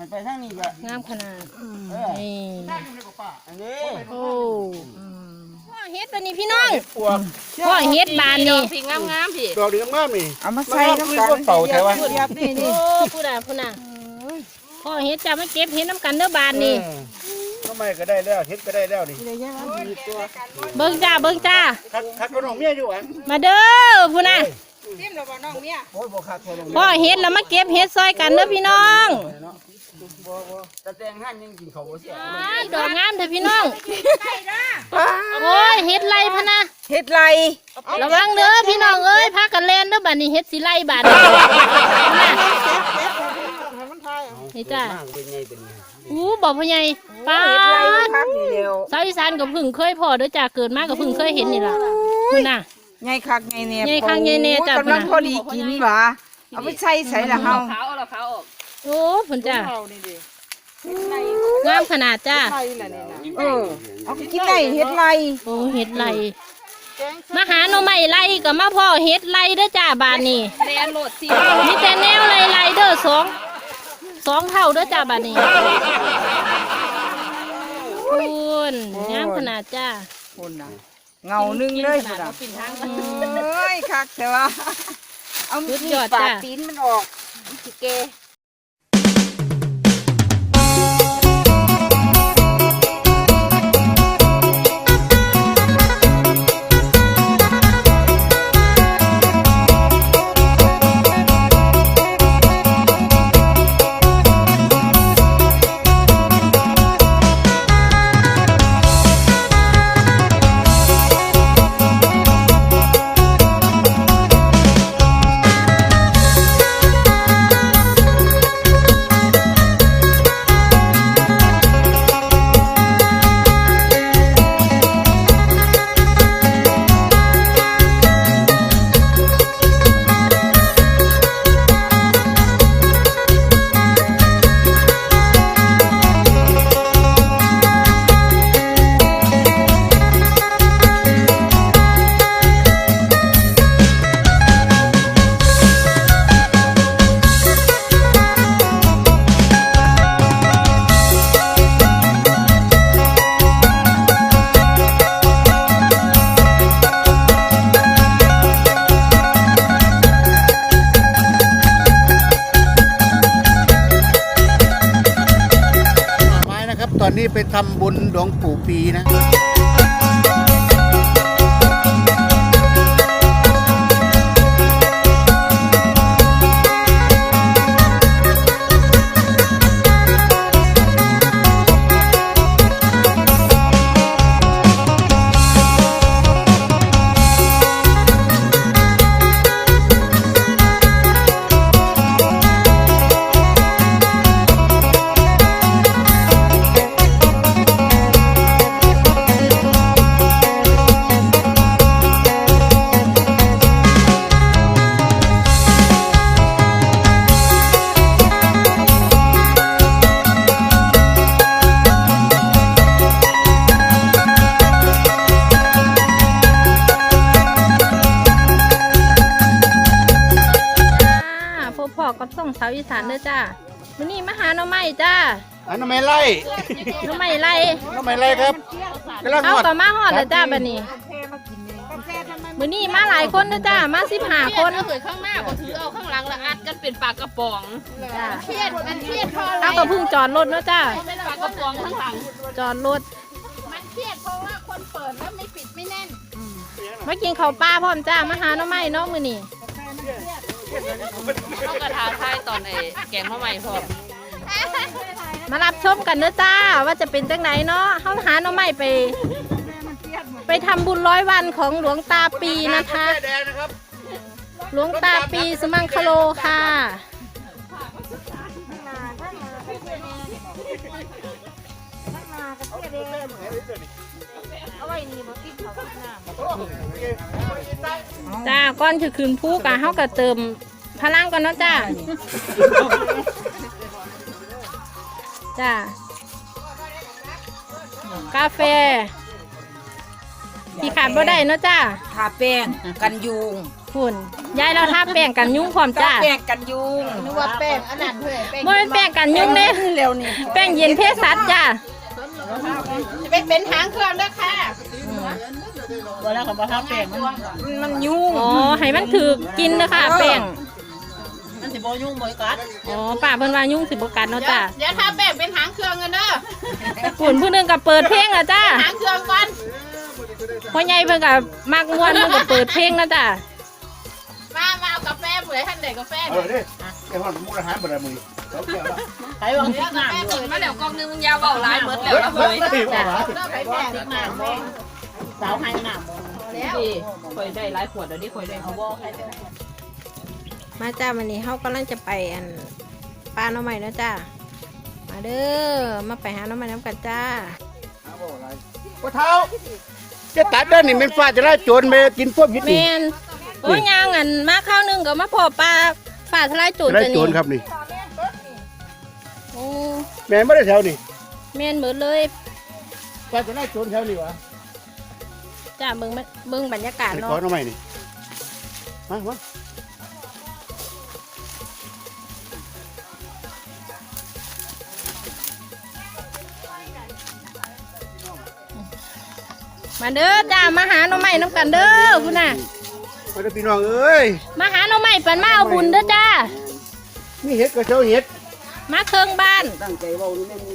ไปทางนี้ก็งามขนาดนี่อันนี้โอ้พ่อเฮ็ดวันนี้พี่น้องพ่อเฮ็ดบานนี่สีงามๆพี่ดอกดีงามนี่เอามาใส่น้ำกันเต่าแถวว่าโอ้พูดน่ะพ่อเฮ็ดจะมาเก็บเฮ็ดน้ำกันเด้อบานนี่ทำไมก็ได้แล้วเฮ็ดก็ได้แล้วนี่เบิ่งจ้าคักก็น้องเมียอยู่หวังมาเด้อพูดน่ะจิ้มแล้วบ่น้องเมียโอ้ยบ่คักแค่น้องพ่อเฮ็ดแล้วมาเก็บเฮ็ดซอยกันเด้อพี่น้องบ่ตะแตงหั่นยังกินข้าวบ่เสียดอกงามเด้อพี่น้องโอ้ยเฮ็ดไรพะนะเฮ็ดไรระวังเด้อพี่น้องเอ้ยพากันแล่นเด้อบัดนี้เฮ็ดสิไล่บาดนี้นี่จ้าบอกพ่อใหญ่ป้าสาวอีสานกับพึ่งเคยพอเด้อจ้าเกิดมากับพึ่งเคยเห็นนี่ล่ะคุณน่ะใหญ่คักใหญ่แน่ใหญ่คักใหญ่แน่จ้ากำลังพอดีกินหวะเอาไปใส่ละเฮาขาวเอาขาวออกโอ้พุ่นจ้างามขนาดจ้าเอากินได้เฮ็ดไรโอ้เฮ็ดไรมาหาหน่อไม้ไรกับมาพ่อเฮ็ดไรเด้อจ้าบานนี่แลนโหลดสิมีแต่แนวไรเด้อสองเท่าเด้อจ้าบานนี่คุณงามขนาดจ้าคุณน่ะเงานึงเลยคุณน่ะเอ้ยคักแต่ว่าเอามีดปาดตีนมันออกสิเกตอนนี้ไปทำบุญหลวงปู่ปีนะกับส่งสาวอีสานเด้อจ้าวันนี้มาหาหน่อไม้จ้าหน่อไม้ไล่หน่อไม้ไล่ครับเอากับมาหอดเลยจ้าบัดนี้วันนี้มาหลายคนเด้อจ้ามา15 คนเคยข้างหน้าก็ถือเอาข้างหลังแล้วอัดกันเป็นปากกระป๋องเครียดพอเอากับพึ่งจอดรถเนาะจ้าเป็นปากกระป๋องข้างหลังจอดรถมันเครียดเพราะว่าคนเปิดแล้วไม่ปิดไม่แน่นมากินข้าวปลาพร้อมจ้ามาหาหน่อไม้เนาะมื้อนี้ต้องกระทาทายตอนไอ้แกงข้าวใหม่พอมารับชมกันเด้อจ้าว่าจะเป็นจังไหนเนาะเฮาหาหน่อไม้ไปทำบุญ100 วันของหลวงตาปีนะคะหลวงตาปีสมังคโลค่ะจ้าก้อนคือคืนผู้กะเฮากะเติมพลังก่อนเนาะจ้าจ้ากาแฟที่ขาดบ่ได้เนาะจ้าทาแป้งกันยุงฝุ่นยายเราทาแป้งกันยุงพร้อมทาจ้าแป้งกันยุงนึกว่าแป้งอันนั้นเพื่อแป้งบ่เป็นแป้งกันยุงเด้เร็วนี่แป้งเย็นเพศสัตว์จ้าจะไปเป็นหางเครื่องด้วยค่ะมันยุงอ๋อให้มันถือกินนะคะแป้งมันสิบ่ยุ่งบ่กัดอ๋อป้าเพิ่นว่ายุงสิบ่กัดเนาะจ้าเดี๋ยวถ้าแป้งเป็นหางเครื่องกันเด้อฝุ่นผู้หนึงก็เปิดเพลงอ่ะจ้าหางเครื่องก่อนพ่อใหญ่เพิ่นก็มักม่วนเพิ่นก็เปิดเพลงนะจ้ามาเอากาแฟเผื่อท่านเด็กกาแฟเออดิไอ้ห้องมุกอาหารบ่ได้มื้อเราเกี่ยวละใครวางที่น้ำเปิดมาแล้วกองนึงยาวเบาหลายหมดแล้วเฮ้ยเฮ้ยจ้าเลิกไปแป้งน้ำแป้งสาวให้น้ำแล้วคอยได้หลายขวดเดี๋ยวนี้คอยได้เอาบ่ใครจะมาจ้าวันนี้เฮากำลังจะไปอันปลาหน่อไม้นะจ้ามาเด้อมาไปหาหน่อไม้น้ำกันจ้าว่าเท้าจะตัดเด้อนี่มันฟ้าจะได้โจรไปกินพวกยึดแมนี่นโอ้ยยางอันมาข้าวหนึงก็มาพอปลาฝ่าทลายโจรจะได้จะโจนี่รครับนี่โอ้แม่นบ่ได้แถวนี่แมนเหมือนเลยฟ้าจะได้โจรแถวนี่วะจ้าเบิ่งบรรยากาศไปขอเนาะหน่อไม้นี่มามาเด้อจ้ามาหาหน่อไม้น้ำกันเด้อพุ่นน่ะมาเด้อพี่น้องเอ้ยมาหาหน่อไม้ปันมาเอาบุญเด้อจ้ามีเห็ดก็เจ้าเห็ดมาเครื่องบ้านตั้งใจเว้านี่แม่น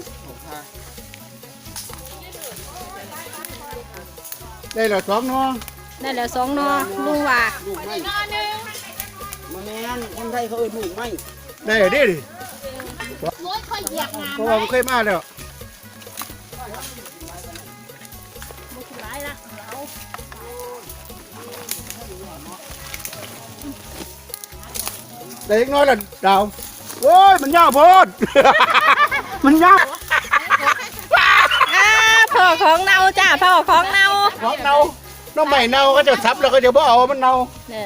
ได้แล้ว2เนาะได้แล้ว2หนอลุงว่าลูกไม้มาแม่นคนไทยเขาเอิ้นลูกไม้ได้แล้วเด้ดิรถค่อยเหยียบงาเพราะว่ามันเคยมาแล้วร้ายละได้อีกน้อยละดาวโอ้ยมันยาวโพด มันยาวพ่อของเนาจ้าพ่อของเนาของเน่าน้องใหม่เน่าก็จะซับแล้วก็เดี๋ยวบ่เอามันเน่าเนี่ย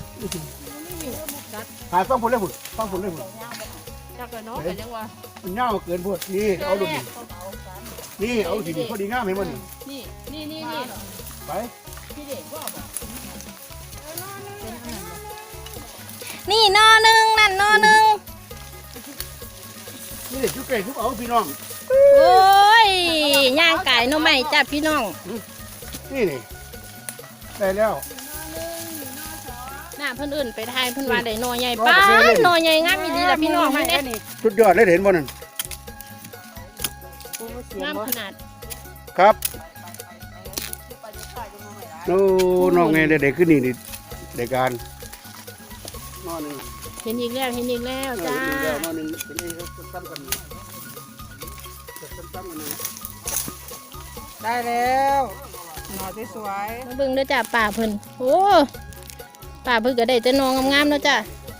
หาฟังผลเลยผุดฟังผลเลยผุดจักเลยเนาะแต่ยังว่ามันยาวเกินพวดนี่เอาดูนี่นี่เอาสิพอดีงามให้มันนี่ไปนี่หนอหนึ่งนั่นหนอหนึ่งนี่เด็กชุกเก่งชุกเอาพี่น้องโอ้ยย่างไก่หน่อไม้จ้าพี่น้องนี่นี่ได้แล้วหน้าเพิ่นอื่นไปทายเพิ่นว่าได้หน่อใหญ่ป้าหน่อใหญ่งามอีหลีล่ะพี่น้องมันเด้สุดยอดเลยเห็นบ่นั่นงามขนาดครับโอ้น้องไงเด็กขึ้นนี่นี่เด็กการนอนนี่เห็นอีกแล้วเห็นอีกแล้วจ้านอนนี่เป็นนี่เขาซ้ำกันซ้ำกันนี่ได้แล้วหน่อสวยมาเบิ่งเด้อจ้าป่าเพิ่นโอ้ป่าเพิ่นก็ได้แต่หนองามๆเนาะจ้า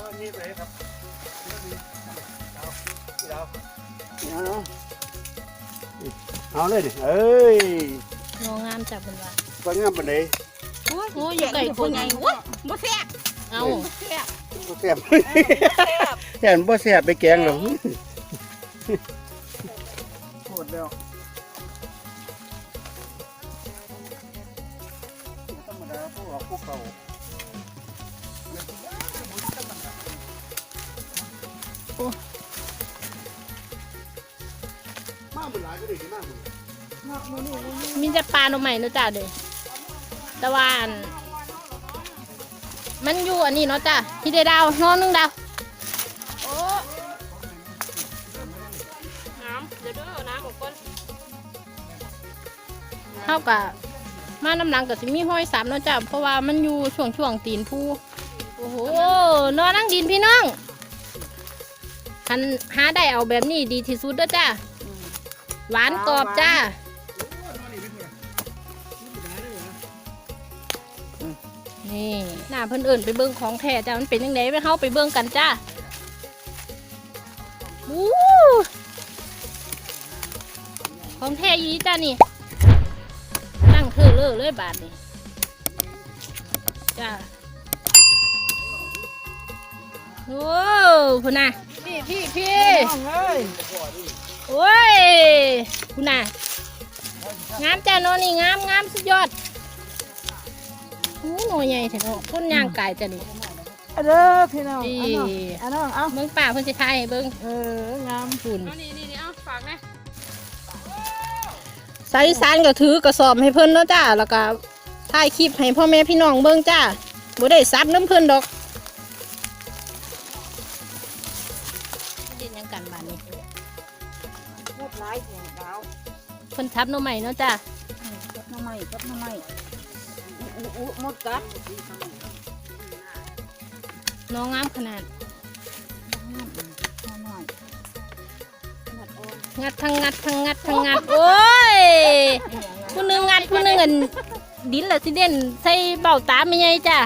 เอาเลยดิเอ้ยหนองามจ้าเพิ่นว่าฟังงามปานใดโอ้ยอยู่ไก่คนใหญ่โอ้ยบ่แซ่บเอาบ่แซ่บแซ่บบ่แซ่บไปแกงหรอกโหดแล้วธรรมดาพวกออกพวกเก่ามาหมดหลายก็ได้มากมีแต่ปลาหน่อไม้เนาะจ้าเด้อแต่ว่าอันมันอยู่อันนี้เนาะจ้าที่ได้ดาวหนอหนึงดาวโอ้น้ำเดี๋ยวเด้อน้ำออกก่อนเท่ากับมาน้ำหลังกับสิมีห้อยสามเนาะจ้ะเพราะว่ามันอยู่ช่วงตีนผู้โอ้โหนอนนั่งดินพี่น้องคันหาได้เอาแบบนี้ดีที่สุดเด้อจ้าหวานกรอบจ้านี่หน้าเพิ่นเอิ่นไปเบิ่งของแท้จ้ามันเป็นยังไงไปเข้าไปเบิ่งกันจ้าอู้ของแท้อยี่จ้านี่ตั้งเธอเลยบาทนี่จ้าโอ้พุ่นน่ะพี่ๆน้องเอ้ยโอ้ยพุ่นน่ะงามจ้าโนนี่งามสุดยอดโอ้หน่วยใหญ่แท้เนาะต้นยางไก่จ้ะนี่เด้อพี่น้องนี่อันน้องเอาเบิ่งป่าเพิ่นสิทายให้เบิ่งงามฝุ่นนี่เอาฝากนะสายอีสานก็ถือกระสอบให้เพิ่นเนาะจ้าแล้วก็ถ่ายคลิปให้พ่อแม่พี่น้องเบิ่งจ้าบ่ได้ซับน้ำเพิ่นดอกเฮ็ดหยังกันบ้านนี้หมดหลายเสียงดาวเพิ่นทับหน่อไม้เนาะจ้ากับน้ำไม้หมดกัดน้องงามขนาดหน่อยงัดทั้งงัดทั้งงัดทั้งงัดโอ้ยผู้หนึงงัดผู้หนึงอันดินละสิเด่นใส่เบ้าตาไม่ใหญ่จ้า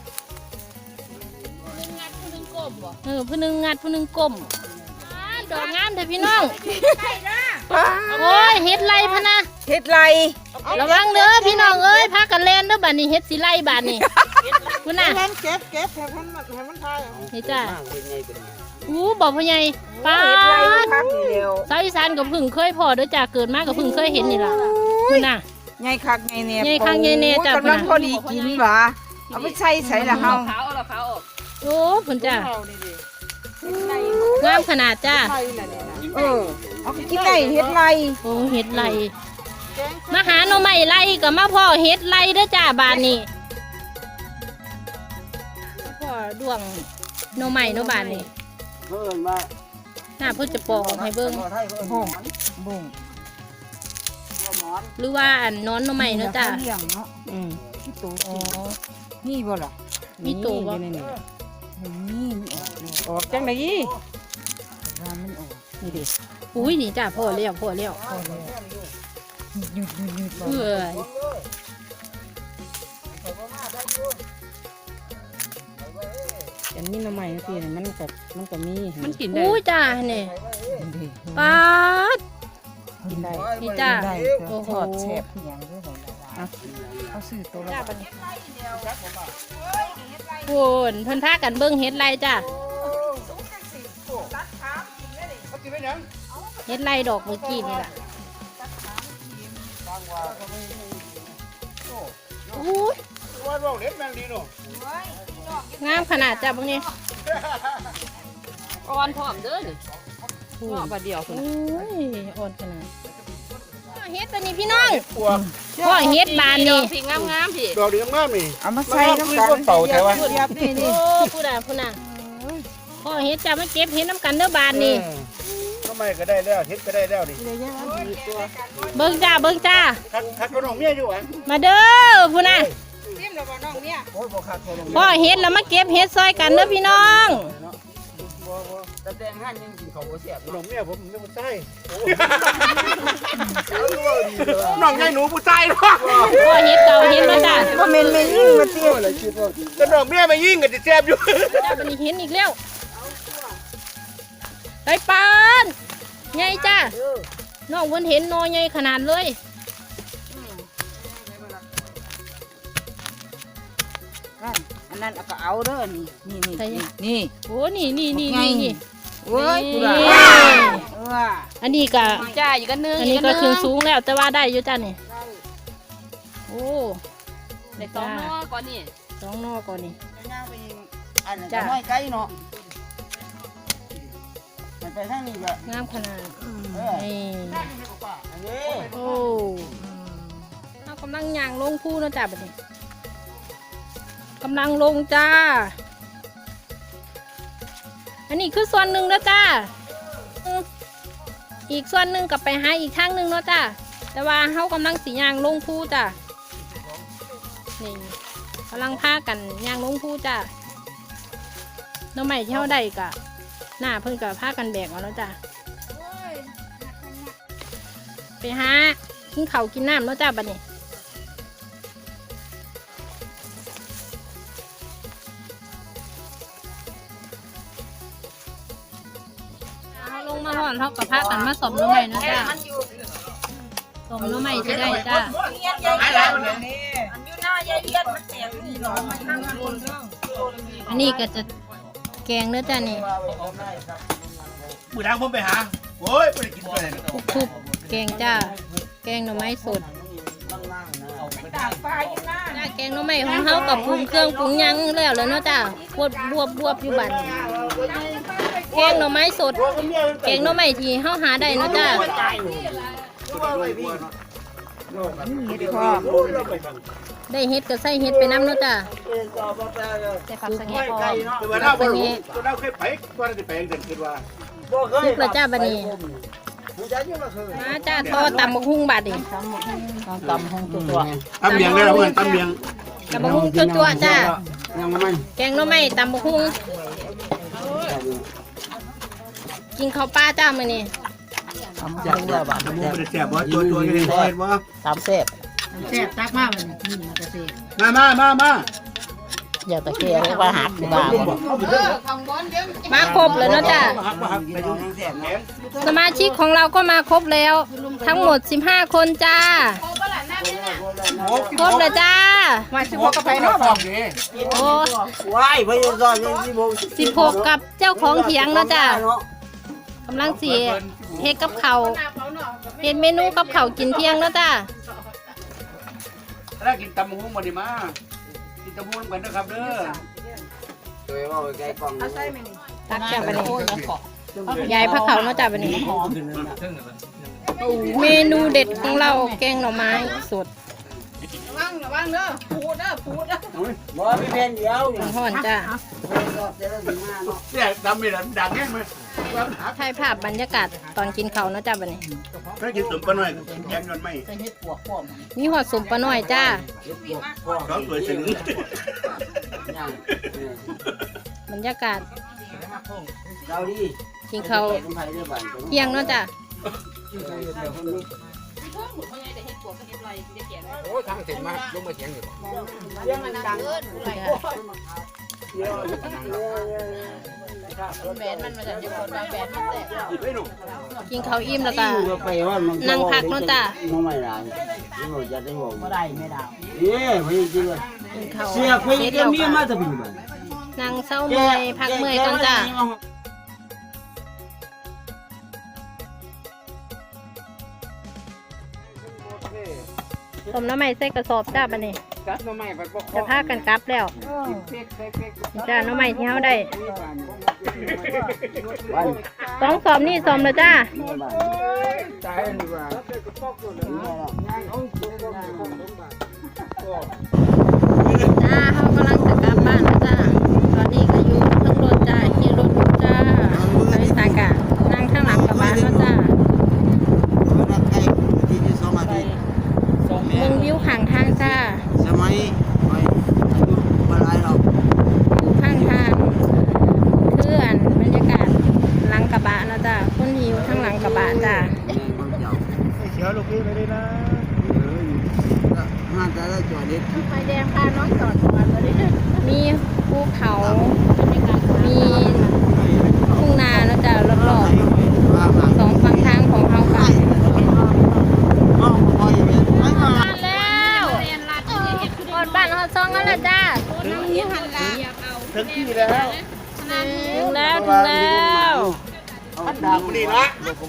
ผู้หนึงงัดผู้หนึงก้มดอกงามเถอะพี่น้องโอ้ยเฮ็ดไรพะนะเฮ็ดไรระวังเด้อพี่น้องเอ้ยพากันแล่นเด้อบัดนี้เฮ็ดสิไล่บาดนี้คุณน่ะเก็บให้มันทายนี่จ้ามากเป็นไงเป็นไงอู้บอกพ่อใหญ่ป้าเฮ็ดไรดคักนี่เดียวสาวอีสานก็เพิ่งเคยพอเด้อจ้าเกิดมาก็เพิ่งเคยเห็นนี่ล่ะคุณน่ะใหญ่คักใหญ่เนี่ยใหญ่คักใหญ่แน่จ้ะกำลังพอดีกินหว่าเอาไปใส่ละเฮาขาวเอาขาวออกโอ้เพิ่นจ้างามขนาดจ้าเอาไปกินได้เฮ็ดไรโอ้เฮ็ดไรมาหาหน่อไม้ไล่ก็มาพ่อเฮ็ดไรเด้อจ้าบาดนี้พ่อดวงหน่อไม้เนาะบาดนี้เพิ่นมาหน้าเพิ่นจะปอกออกให้เบิ่งไทยเพิ่นบ่งหรือว่าอันนอนหน่อไม้เนาะจ้าเลี้ยงเนาะอืมที่ตัวอ๋อนี่บ่ล่ะมีตัวบ่นี่ออกจังได๋มันออกนี่ดิอุ้ยนี่จ้าพ่อแล้วพ่อแล้วหยุดเอ้ยอันนี้น้ำใหม่สิมันก็มีมันกินได้อุ้ยจ้าเนี่ยป๊าดกินได้นี่จ้าได้โอ้โหทอดแซ่บอหย่างด้วยเอาซื้อตัวละจ้าบัดนี้โอ้นเพิ่นพากันเบิ่งเฮ็ดไรจ้าเขากินไปยังเฮ็ดไรดอกเมื่อกี้นี่ล่ะอุ้ยว่าเราเล็บแมงดีเนาะงามขนาดจ้าบางนี้อ่อนพร้อมเด้อนี่เงาะบาดเดียวคนโอ้ยอ่อนขนาดเฮ็ดบัดนี้พี่น้องปวกพ่อเฮ็ดบานนี่พี่งามๆพี่ดอกดีงามๆนี่เอามาใส่น้ำกันเป่าแถวะเรียบนี่โอ้พูดน่ะพ่อเฮ็ดจ้ามาเก็บเฮ็ดน้ำกันเด้อบานนี่ทำไมก็ได้แล้วเฮ็ดก็ได้แล้วนี่เบิ่งจ้าเบิ่งจ้าคักก็น้องเมียอยู่อ่ะมาเด้อพูดน่ะโอ้ยบ่คักก็น้องพ่อเฮ็ดแล้วมาเก็บเฮ็ดซอยกันเด้อพี่น้องบ่ตะแตงหั่นยังกินเขาบ่เสียบน้องเมียผมไม่ผู้ชายน้องใหญ่หนูผู้ชายเนาะพ่อเฮ็ดเก่าเฮ็ดมาจ้าบ่แม่นแม่ยิ่งมาติก็น้องเมียมายิงก็สิแซ่บอยู่จ้าบัดนี้เห็นอีกแล้วไปปานใหญ่จ้าน้องเพิ่นเห็นนอใหญ่ขนาดเลยอันนั้นก็เอาเด้อนี่โอ้นี่โอ้ยกูล่ะอันนี้ก็จ้าอยู่กันนึงอันนี้ก็ขึ้นสูงแล้วแต่ว่าได้อยู่จ้านี่โอ้ได้สองนอก่อนนี่สองนอก่อนนี่อันนั้นก็น้อยไกลเนาะมันไปทางนี้ก็งามขนาดนี่อันนี้โอ้เรากำลังย่างลงภูเนาะจ้าบัดนี้กำลังลงจ้า อันนี้คือส่วนหนึ่งแล้วจ้าอีกส่วนหนึ่งกับไปหาอีกทางหนึ่งเนาะจ้าแต่ว่าเขากำลังสีย่างลงภูจ้านี่กำลังพากันย่างลงภูจ้าน้องใหม่ที่เขาได้กะหน้าเพิ่งกับพากันแบกเอาแล้วจ้าไปหากินข้าวกินน้ำเนาะจ้าบัดนี้ลงมาห่อนเท่ากับพากันมาสมน้ำใหม่นะจ้าสมน้ำใหม่จะได้จ้าอันนี้ก็จะแกงเนื้อจ้านี่มื้อทางผมไปหาโอ้ยบ่ได้กินตัวไหนทุบๆแกงจ้าแกงหน่อไม้สดล่างๆนะจ้าแกงหน่อไม้ของเฮากับปรุงเครื่องปรุงหยังแล้วเนาะจ้าบวบอยู่บัดแกงหน่อไม้สดแกงหน่อไม้ที่เฮาหาได้เนาะจ้าเฮ็ดพร้อมได้เฮ็ดก็ใส่เฮ็ดไปน้ำเนาะจ้าใส่ผักสะแงพอแต่ว่าเราบ่รู้เราเคยไปก่อนจะไปเดินคิดว่าซุปแล้วจ้าบัดนี้มาจ้าทอดตำบักหุ่งบัดนี้ตำห้องตัวตำเมียงได้แล้วเพื่อนตำเมียงตำบักหุ่งจั่วๆจ้ายังไม่แกงหน่อไม้ตำบักหุ่งกินข้าวปลาจ้ามื้อนี้ตำจังเลยบ้านมันบ่ได้แซ่บบ่ตัวๆนี่เฮ็ดบ่ตำแซ่บแซ่บตักมากเลยนี่มันจะเซ่มาอย่าตะเกียบว่าหักบ้ามาครบเลยเนาะจ้าไปดูแซ่บนะสมาชิกของเราก็มาครบแล้ว ทั้งหมด15คนจ้าครบเลยจ้ามาสิบ่ก็ไปเนาะบ่โอ้ว้ายไปอยู่ซอยยังที่บ่ 16กับเจ้าของเถียงเนาะจ้ากำลังสิเฮ็ดกับเขาวเฮ็ดเมนูกับเขาวกินเที่ยงเนาะจ้าถ้ากินตำบักหุ่งบ่ได้มากินตำบักหุ่งกันนะครับเด้อตัวว่าไปไกลกล่องตักจ้าบัดนี้ยายพระเขาเนาะจ้าบัดนี้ เมนูเด็ดของเราแกงหน่อไม้สดบ่มีแผ่นเดียวห่อนๆจ้าเนี่ยตำนี่ล่ะดังแฮงมั้ยถ่ายภาพบรรยากาศตอนกินข้าวเนาะจ้าบัดนี้เคยกินตุ่มปลาน้อยแกงยอนไม่มีหอดสมปลาน้อยจ้าร้องสวยถึงบรรยากาศเจ้าดิกินข้าวเที่ยงเนาะจ้าโอ้ทางเสร็จมาลงมาเถียงอยู่แบนมันมาจากญี่ปุ่นแบนมันแซ่บกินข้าวอิ่มแล้วก็ไปว่ามันนั่งพักเนาะจ้าไม่ได้ที่บ่จะได้บ่บ่ได้ไม่ได้เอ้ยไปจริงกินข้าวเสียไปเสร็จก็แล้วมีก็มาตะบินบ่นั่งเศร้าเมื่อยพักเมื่อยกันจ้าต้มน้ำใหม่ใส่กระสอบจ้าบัดนี้กัดมาใหม่ไปบ่จะพากันกลับแล้วจ้าน้ำใหม่ที่เฮาได้ต้องสอบนี่สอบเลยจ้าตายดีกว่าจ้าเขากำลังจะกลับบ้านนะจ้าตอนนี้ก็อยู่ทั้งรถจ้าขี่รถอยู่จ้าบริษัทกะนั่งข้างหลังกลับบ้านแล้วจ้าเมืองวิวข้างทางจ้าสมัยไปบ่หลายหรอกวิวข้างทางเคลื่อนบรรยากาศหลังกระบะนะจ้าคนที่อยู่ข้างหลังกระบะจ้าเขียวลูกพี่ไปได้นะน่าจะได้จอดเด็ดไฟแดงพาน้องจอดก่อนเลยมีภูเขามีทุ่งนานะจ้ารอบๆสองฝั่งทางของเขาค่ะบ้านแล้วหมดบ้านเขาซองกันแล้วจ้าถึงที่แล้วถึงแล้วดาวนี่ละ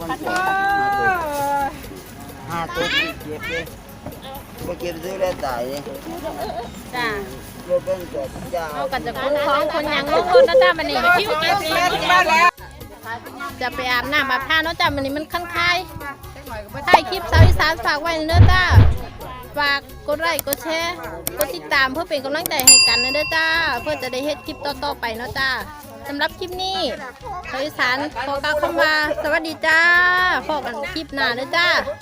5ตัวเก็บเลยบ่เก็บซื้อแล้วตายเลยจ้าบ่เป็นจอดจ้าเอากันจะคุ้นของคนยังลงรถนะจ้ามันนี่จะไปอาบน้ำอาบท่าเนาะจ้ามันนี่มันคันคายถ่ายคลิปสาวอีสานฝากไว้เด้อจ้าฝากกดไลค์กดแชร์กดติดตามเพื่อเป็นกำลังใจให้กันนะเด้อจ้าเพื่อจะได้เฮ็ดคลิปต่อๆไปเนาะจ้าสำหรับคลิปนี้สาวอีสานขอกล่าวคำว่าสวัสดีจ้าพบกันคลิปหน้าเด้อจ้า